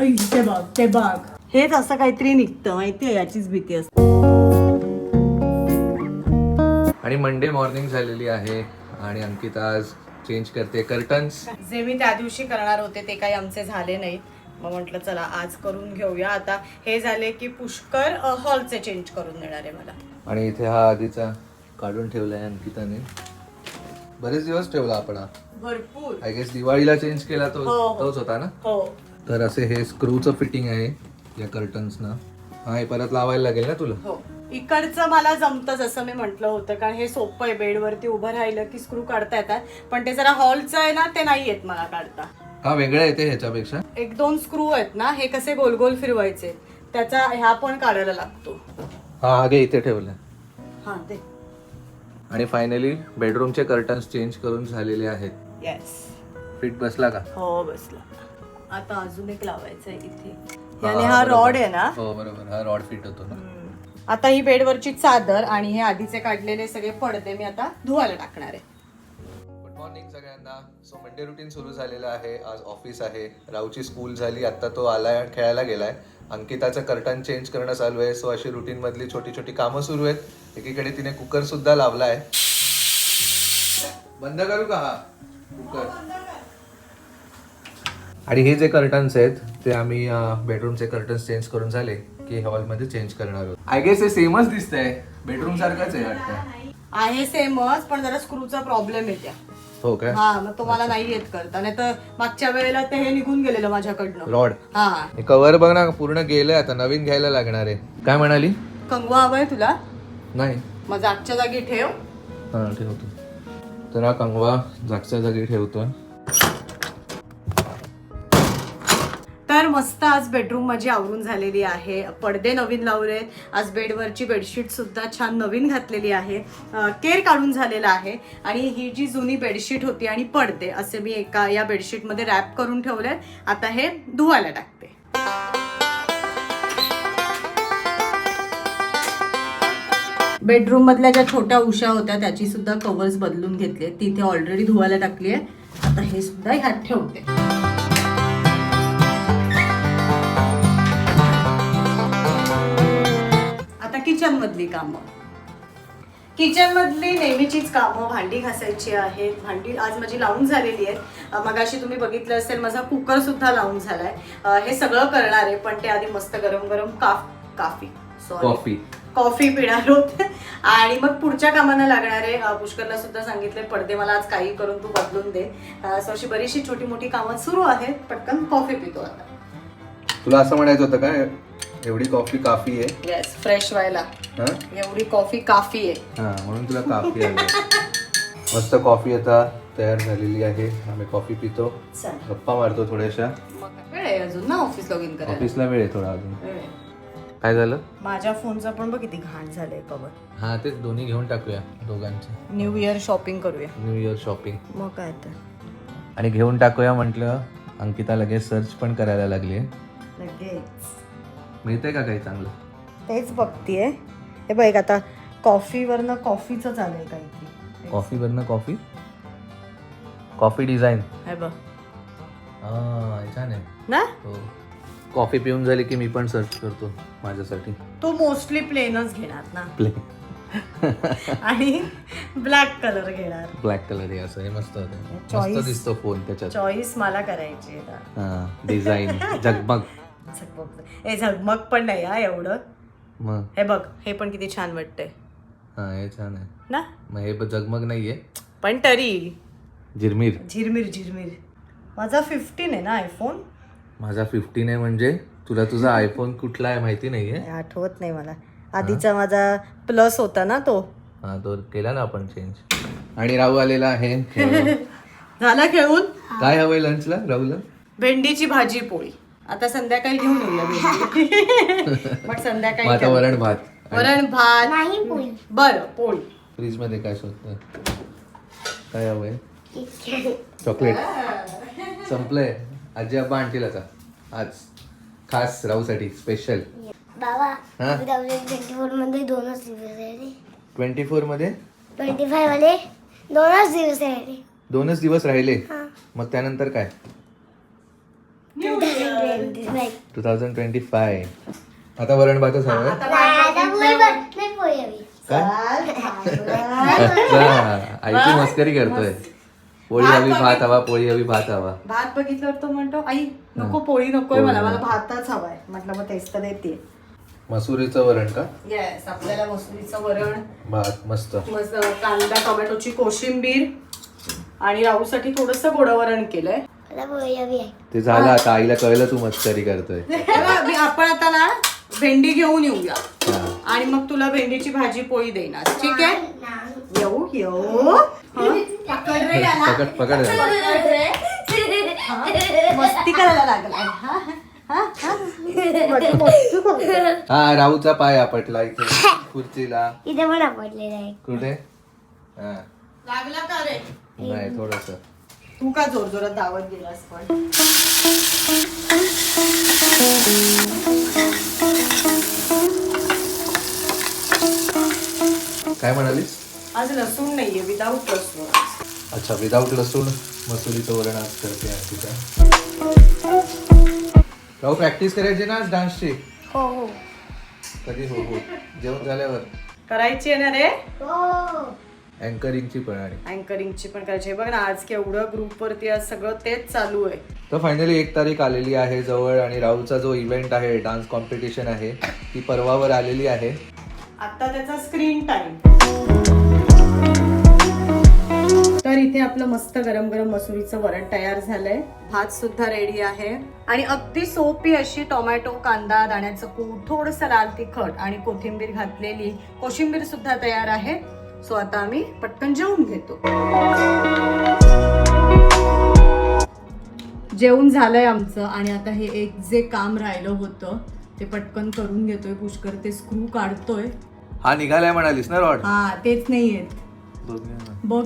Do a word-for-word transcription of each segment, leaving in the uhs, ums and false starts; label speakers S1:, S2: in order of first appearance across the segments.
S1: ते बघ ते बघ हेच असं काहीतरी निघतं माहितीये, याचीच भीती असते.
S2: आणि मंडे मॉर्निंग झालेली आहे आणि अंकिता आज चेंज करते कर्टन्स.
S1: जे मी त्या दिवशी करणार होते ते काही आमचे झाले नाहीत, मग म्हटलं चला आज करून घेऊया. आता हे झाले की पुष्कर हॉलचे चेंज करून देणार आहे मला.
S2: आणि इथे हा आधीचा काढून ठेवलाय अंकिताने, बरेच दिवस ठेवला आपण हा.
S1: भरपूर.
S2: आय गेस दिवाळीला चेंज केला तो तोच होता ना.
S1: हो.
S2: तर असे हे स्क्रूचं फिटिंग आहे या कर्टन्सना. हा हे परत लावायला लागेल ना तुला.
S1: हो, इकडचं मला जमतं जसं मी म्हटलं होतं, कारण हे सोपं आहे. बेडवरती उभं राहिलं की स्क्रू काढता येतात, पण ते जरा हॉलचं आहे ना, ते नाही येत मला काढता.
S2: हा वेगळा येते ह्याच्यापेक्षा.
S1: एक दोन स्क्रू आहेत ना, हे कसे गोल गोल फिरवायचे, त्याचा ह्या पण काढायला लागतो.
S2: हा आगे इथे ठेवला.
S1: हा ते. आणि
S2: फायनली बेडरूमचे कर्टन्स चेंज करून झालेले आहेत.
S1: येस.
S2: फिट बसला का?
S1: हो बसला. आता अजून एक लावायचं आहे इथे. याने हा रॉड आहे ना.
S2: हो बरोबर, हा रॉड फिट होतो ना.
S1: आता ही बेडवरची चादर आणि हे आधीचे काढलेले सगळे पडदे मी आता धुवायला टाकणार आहे.
S2: गुड मॉर्निंग सगळ्यांना. सो मंडे रुटीन सुरू झालेलं आहे. आज ऑफिस आहे. राऊची स्कूल झाली, आता तो आलाय आणि खेळायला गेलाय. अंकिताचं कर्टन चेंज करणं चालू आहे. सो अशी रुटीन मधली छोटी छोटी कामं सुरू आहेत. एकीकडे तिने कुकर सुद्धा लावलाय. बंद करू का हा कुकर? आणि हे जे कर्टन्स आहेत ते आम्ही बेडरूमचे कर्टन्स चेंज करून झाले की हॉलमध्ये चेंज करणार आहोत. आय गेस हे सेमच दिसतंय, बेडरूम सारखंच आहे वाटतं.
S1: आहे सेमच, पण जरा स्क्रूचा प्रॉब्लेम येत्या.
S2: हो काय?
S1: हा, मग तुम्हाला नाही येत करता. नाही तर मागच्या वेळेला ते हे निघून गेलेलं माझ्याकडनं
S2: रॉड.
S1: हा,
S2: कव्हर बघ ना पूर्ण गेलंय, आता नवीन घ्यायला लागणार आहे. काय म्हणाली?
S1: कंगवा हवाय तुला?
S2: नाही,
S1: मग जागच्या जागी ठेव.
S2: हा ठेवतो. तर हा कंगवा जागच्या जागी ठेवतो.
S1: तर मस्त आज बेडरूम माझी आवरून झालेली आहे. पडदे नवीन लावले. आज बेडवरची बेडशीट सुद्धा छान नवीन घातलेली आहे. केर काढून झालेला आहे. आणि ही जी जुनी बेडशीट होती आणि पडदे असे मी एका या बेडशीटमध्ये रॅप करून ठेवले. आता हे धुवायला टाकते. बेडरूम मधल्या ज्या छोट्या उशा होत्या त्याची सुद्धा कव्हर्स बदलून घेतले. तिथे ऑलरेडी धुवायला टाकली आहे. आता हे सुद्धा ह्यात ठेवते. किचन मधली कामं. किचन मधली नेहमीचीच कामं. भांडी घासायची आहेत. भांडी आज माझी लावून झालेली आहे. मगाशी तुम्ही बघितलं असेल माझा कुकर सुद्धा लावून झालाय. हे सगळं करणार आहे, पण ते आधी मस्त गरम गरम काफ काफी सॉरी
S2: कॉफी
S1: कॉफी पिणार होत. आणि मग पुढच्या कामांना लागणार आहे. पुष्करला सुद्धा सांगितले पडदे मला आज काही करून तू बदलून दे. सो अशी बरीचशी छोटी मोठी कामं सुरू आहेत. पटकन कॉफी पितो आता.
S2: तुला असं म्हणायचं होतं काय, एवढी कॉफी काफी आहे?
S1: येस, फ्रेश व्हायला एवढी कॉफी काफी आहे. हा,
S2: म्हणून तुला काफी आली. मस्त कॉफी आता तयार झालेली आहे. आम्ही कॉफी पितो, गप्पा मारतो थोड्याशा.
S1: वेळ आहे अजून ना ऑफिस लॉग इन करायला.
S2: ऑफिसला वेळ आहे थोडा अजून. काय झालं?
S1: माझ्या फोनचा पण बघ किती घाण झालंय कवर.
S2: हा तेच, दोन्ही घेऊन टाकूया दोघांचे.
S1: न्यू इयर शॉपिंग करूया.
S2: New year shopping.
S1: मग काय तर.
S2: आणि घेऊन टाकूया म्हटलं, अंकिता लगेच सर्च पण करायला लागली.
S1: लगेच
S2: मिळतंय का काही चांगलं?
S1: तेच बघतीये. हे बघ आता कॉफीवरनं कॉफीचं चालेल काहीतरी.
S2: कॉफीवरनं कॉफी कॉफी डिझाईन.
S1: हे बघ.
S2: हा छान आहे
S1: ना.
S2: हो. कॉफी पिऊन झाली की मी पण सर्च करतो माझ्यासाठी.
S1: तू मोस्टली प्लेनच घेणार ना.
S2: प्लेन
S1: आणि ब्लॅक कलर घेणार.
S2: ब्लॅक कलर आहे असं. हे मस्त होतं, मस्त दिसतो फोन त्याच्यात.
S1: चॉईस मला करायची.
S2: हा डिझाईन झगमग.
S1: हे झगमग पण नाही हा एवढं.
S2: मग
S1: हे बघ, हे पण किती छान वाटतंय.
S2: हा हे छान आहे
S1: ना.
S2: मग हे झगमग नाहीये,
S1: पण तरी
S2: झिरमीर
S1: झिरमीर झिरमीर. माझा फिफ्टीन आहे ना आयफोन.
S2: माझा फिफ्टीन आहे म्हणजे तुला तुझा आयफोन कुठला आहे माहिती नाहीये?
S1: आठवत नाही मला. आधीचा माझा प्लस होता ना तो.
S2: हा तो केला ना आपण चेंज. आणि राहू आलेला आहे.
S1: झाला खेळून.
S2: काय हवंय लंचला राहूला?
S1: भेंडीची भाजी पोळी. आता संध्याकाळी घेऊन येऊया भेंडी. मग संध्याकाळी
S2: आता वरण भात.
S1: वरण भात नाही पोळी. बरं पोळी.
S2: फ्रीज मध्ये काय शोधतोय? काय हवंय? चॉकलेट संपलंय. आजी आबा आणतील आता आज खास राहूसाठी स्पेशल.
S3: बाबा ट्वेंटी फोर मध्ये दोनच दिवस आहे.
S2: ट्वेंटी फोर मध्ये
S3: ट्वेंटी फाय मध्ये दोनच दिवस आहे.
S2: दोनच दिवस राहिले. मग त्यानंतर काय?
S3: Two thousand twenty five
S2: two thousand twenty five आता वरण भातच हवंय
S1: आता भात बघितलं.
S3: नाही पोळी हवी.
S2: काय
S1: चल, भात.
S2: अच्छा, आईची मस्करी करतोय. पोळी
S1: भात
S2: हवी भात
S1: बघितलं.
S2: हवा, पोळी हवी भात हवा.
S1: भात बघितल्यावर तो म्हणतो आई नको पोळी नकोय
S2: पोळी
S1: मला मला
S2: नको.
S1: भातच हवाय. म्हटलं मग तेच तर देते.
S2: मसुरीचं वरण का?
S1: येस आपल्याला मसुरीचं वरण,
S2: भात मस्त.
S1: मस्त कांदा टोमॅटोची कोशिंबीर आणि राहूसाठी थोडस गोडवरण केलंय.
S3: मला पोळी हवी आहे.
S2: ते झालं आता, आईला कळलं तू मस्करी करतोय.
S1: हे बघ, मी- आपण आता ना भेंडी घेऊन येऊया
S2: हा.
S1: आणि मग तुला भेंडीची भाजी पोळी देणार. ठीक आहे, येऊ येऊ हं? पकड रे याला.
S2: पकड पकड झालं.
S1: हा? मस्ती करायला लागलाय हा? हा? हा? मस्ती करतोय.
S2: हा राहूचा पाय आपटला इथे खुर्चीला.
S3: इथे पण आवडलेलं आहे.
S2: कुठे? हा
S1: लागला का रे?
S2: नाही थोडस.
S1: तू का जोर जोरात धावत गेलास पण?
S2: काय म्हणालीस?
S1: आज लसूण नाहीये, विदाऊट लसूण.
S2: अच्छा, विदाऊट लसूण मसुरीचं वरण आज करते अर्पिता. राहू प्रॅक्टिस करायची ना आज डान्सची?
S3: हो हो
S2: कधी? हो हो जेवण झाल्यावर.
S1: करायची आहे ना रे?
S3: हो.
S2: अँकरिंगची पण आणि
S1: अँकरिंगची पण करायची. बघ ना आज केवढं ग्रुप वरती आज सगळं तेच चालू आहे.
S2: तर फायनली एक तारीख आलेली आहे जवळ आणि राहुलचा जो इव्हेंट आहे, डान्स कॉम्पिटिशन आहे, ती परवावर आलेली आहे.
S1: आता त्याचा स्क्रीन टाइम. तर इथे आपलं मस्त गरम गरम मसुरीचं वरण तयार झालंय. भात सुद्धा रेडी आहे आणि अगदी सोपी अशी टोमॅटो, कांदा, दाण्याचं कूट, थोडंसं लाल तिखट आणि कोथिंबीर घातलेली कोशिंबीर सुद्धा तयार आहे. सो आता आम्ही पटकन जेवून घेतो. जेवण झालंय आमचं आणि आता हे एक जे काम राहिलं होतं ते पटकन करून घेतोय. पुष्कर ते स्क्रू काढतोय.
S2: हा निघालाय म्हणालीस ना रॉड?
S1: हा तेच नाही येत.
S2: बघूया ना.
S1: बघ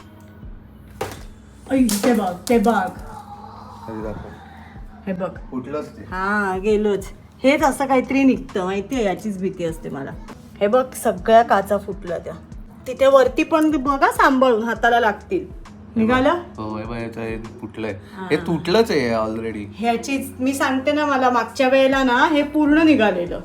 S1: ऐ, ते बघ ते बघ
S2: कधी दाखव.
S1: हे बघ.
S2: कुठलंच ते.
S1: हा गेलोच. हेच असं काहीतरी निघतं माहितीये, याचीच भीती असते मला. हे बघ सगळ्या काचा फुटल्या त्या. तिथे वरती पण बघा सांभाळून, हाताला लागतील. निघालं.
S2: हो हे बघ, याचं हे फुटलंय. हे तुटलंच आहे ऑलरेडी.
S1: ह्याचीच मी सांगते ना, मला मागच्या वेळेला ना हे पूर्ण निघालेलं.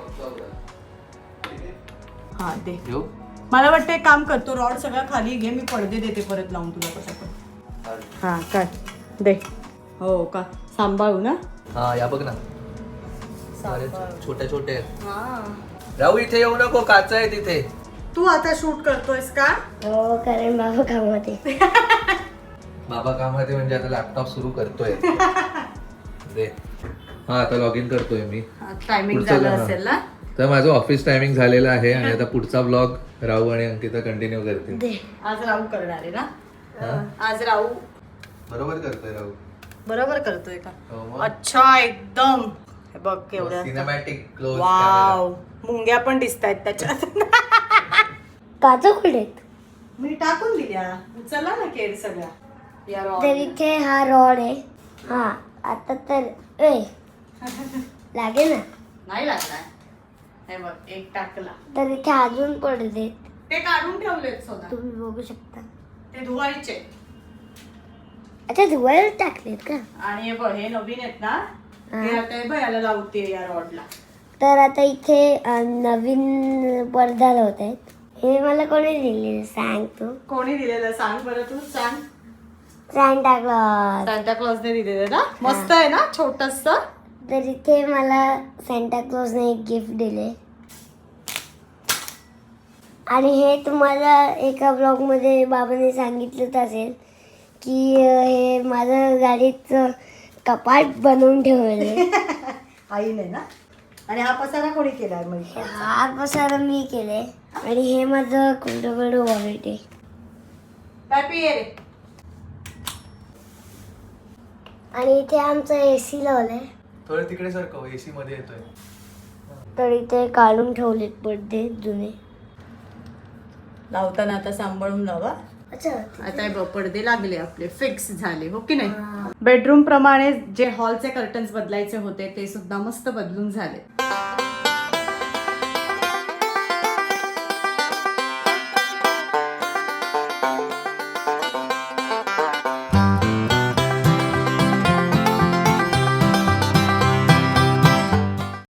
S1: हा ते
S2: घेऊ?
S1: मला वाटतं एक काम करतो, रॉड सगळा खाली घे, मी पडदे देते परत लावून तुला कसं पण. हा काय दे. हो का, सांभाळू ना.
S2: हा या बघ ना,
S1: सांभाळू.
S2: छोटे छोटे आहेत.
S1: हा.
S2: राहू इथे येऊ नको, काच आहे तिथे.
S1: तू आता शूट करतोयस का?
S3: हो कारण बाबा कामात आहे.
S2: बाबा कामात आहे म्हणजे आता लॅपटॉप सुरू करतोय. दे. हा आता लॉग इन करतोय मी.
S1: टायमिंग
S2: पुढचं
S1: झालं
S2: हा.
S1: असेल ना.
S2: तर माझं ऑफिस टायमिंग झालेलं आहे आणि आता पुढचा ब्लॉग राहू आणि अंकिता कंटिन्यू करतील.
S3: दे.
S1: आज राहू करणार आहे ना.
S2: हा?
S1: आज राहू
S2: बरोबर करतोय राहू.
S1: बरोबर करतोय का?
S2: हो मग.
S1: अच्छा एकदम. हे बघ केवढं.
S2: Cinematic close.
S1: वाव, मुंग्या पण दिसत आहेत त्याच्यात.
S3: काचा कुठे आहेत?
S1: मी टाकून दिल्या. चला ना केर सगळ्या या रॉड.
S3: तर इथे हा रॉड आहे. हा आता तर ए लागेल ना.
S1: नाही लागला. हे बघ एक टाकला.
S3: तर इथे अजून पडदे
S1: ते काढून ठेवलेत सोना.
S3: तुम्ही बघू शकता.
S1: ते धुवायचे.
S3: अच्छा धुवायला टाकलेत का?
S1: आणि हे बघ हे नवीन आहेत ना,
S3: हा.
S1: ते आता हे बघ याला लावते या रॉडला.
S3: तर आता इथे अं, नवीन पडदा लावत आहेत. हे मला कोणी दिलेलं सांग तू.
S1: कोणी दिलेलं सांग बरं, तू सांग.
S3: Santa Claus.
S1: सांता क्लॉजने दिलेलं ना. मस्त आहे ना, छोटस.
S3: तर इथे मला सांता क्लॉजने एक गिफ्ट दिले आणि हे तुम्हाला एका ब्लॉगमध्ये बाबाने सांगितलंच असेल की अं, हे माझं गाडीचं कपाट बनवून ठेवले.
S1: आईने ना. आणि हा पसारा कोणी केलाय मग?
S3: हा पसारा मी केले आणि हे माझं कुठं वॉलेट आहे.
S1: पॅपी ये रे.
S3: आणि इथे आमचं एसी लावलंय.
S2: थोडं तिकडे सारखं एसी मध्ये येतोय.
S3: तर इथे काढून ठेवलेत पडदे जुने.
S1: लावताना आता सांभाळून लावा.
S3: अच्छा
S1: आता हे बघ पडदे लागले आपले, फिक्स झाले हो की नाही. बेडरूम प्रमाणे जे हॉलचे कर्टन्स बदलायचे होते ते सुद्धा मस्त बदलून झाले.